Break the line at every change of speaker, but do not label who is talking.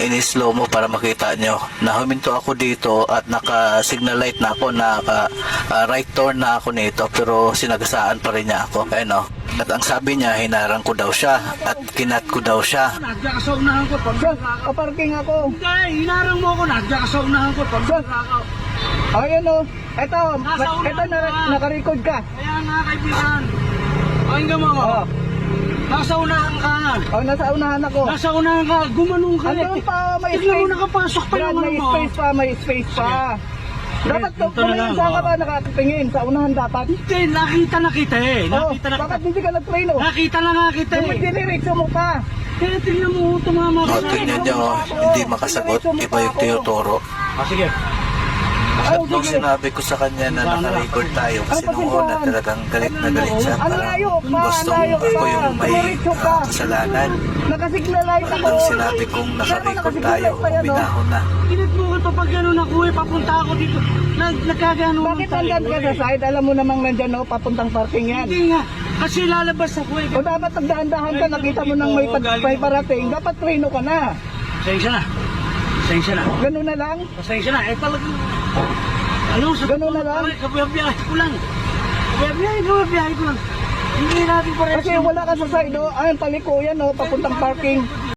in-slow mo para makita nyo na huminto ako dito at naka-signal light na ako, right turn na ako nito, pero sinagasaan pa rin niya ako. Ayun o. At ang sabi niya, hinarang ko daw siya at kinat ko daw siya.
Nadya ka sa unahan ko.
Kaparking ako.
Hindi, hinarang mo ako. Nadya ka sa unahan ko.
Ayun o. Ito, naka-record ka.
Kaya nga kaibigan. Pakinggan mo ako.
Oh.
Nasa unahan ka.
Oh, nasa unahan ako.
Nasa unahan ka. Gumanong ka.
Andun pa, may
Tignan mo
space.
nakapasok pa
Brad,
naman
may
mo.
space pa, may space pa. Dapat
Ito na lang,
saan ka ba nakatingin? Sa unahan dapat?
Hindi, nakita na kita eh.
Oh,
Nakita na kita.
bakit hindi ka nag-train o?
Nakita na nga kita
Yung
eh.
diniretso mo pa.
Kaya tignan mo tumama
O,
ka.
tingnan nyo, hindi makasagot. Iba yung tinuturo.
Sige.
At nung sinabi ko sa kanya na naka-record tayo, kasi nung una talagang galit na galit siya. Parang gustong ako yung may kasalanan.
Nakasignal light ako.
Nung sinabi kong naka-record tayo, binahon na.
Init mo ka pag gano'n ako eh. Papunta ako dito. Nagkagano
Bakit nandyan ka sa side? Alam mo namang nandyan o, papuntang parking yan.
Hindi nga. Kasi lalabas ako eh.
O dapat nagdaan-dahan ka, nakita mo nang may parating, dapat treno ka na.
Pasensya na. Pasensya na.
Ganun na lang.
Pasensya na. Eh talagang... Ano? Sa
Ganun na lang.
Kabiyabiyahe ko lang. Kabiyabiyahe ko lang. Hindi natin pareho.
Kasi wala ka sa side o, ayun paliko yan o, papuntang parking.